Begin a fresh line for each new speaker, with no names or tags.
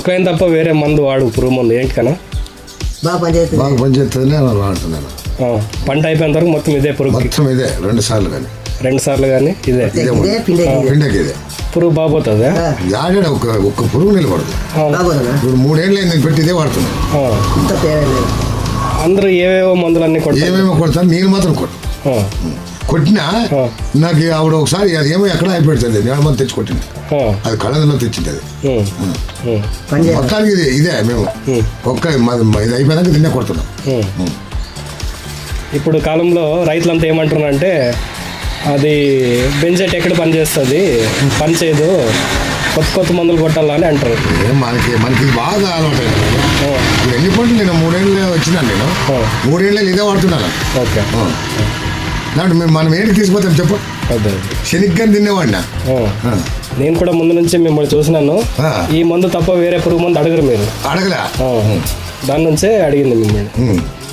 కొక్లైన్ తప్ప వేరే మందు వాడు పురుగు మందు ఏంటి కన్నా
బాగా పనిచేస్తుంది వాడుతున్నాను.
పంట అయిపోయిన వరకు మొత్తం ఇదే పురుగు,
మొత్తం ఇదే 2 సార్లు కానీ
2 సార్లు కానీ ఇదే
పిండకి ఇదే
పురుగు బాగుపోతుంది.
ఆడాడు ఒక్క పురుగు నిలబడదు. ఇప్పుడు 3 ఏళ్ళు నేను పెట్టి ఇదే వాడుతున్నాను.
అందరూ ఏవేవో మందులన్నీ
ఏమేమో కొడతాను, నేను మాత్రం కొట్టినా నాకు ఆవిడ ఒకసారి అది ఏమో ఎక్కడ అయిపోతుంది, నేను మంది తెచ్చి కొట్టింది, అది కళ్ళలో తెచ్చింది. అది మొత్తానికి ఇదే మేము ఒక్క ఇది అయిపోయినాక తిన్నే కొడుతున్నాం.
ఇప్పుడు కాలంలో రైతులంతా ఏమంటున్నారంటే అది బెంజెట్ ఎక్కడ పనిచేస్తుంది, పని చేయదు, కొత్త మందులు కొట్టాలని అంటారు.
మనకి బాగా అలవాటు. ఇప్పుడు ఎన్ని పంటలు నేను 3 ఏళ్ళు వచ్చినాను, నేను 3 ఏళ్ళు ఇదే వాడుతున్నాను.
ఓకే,
దాంట్లో మనం ఏంటి తీసుకుపోతాం చెప్పు. శనిగ్గా తినేవాడినా
నేను కూడా ముందు నుంచి మిమ్మల్ని చూసినాను. ఈ మందు తప్ప వేరే పురుగు మందు అడగరు మీరు.
అడగలే,
దాని నుంచే అడిగింది మిమ్మల్ని.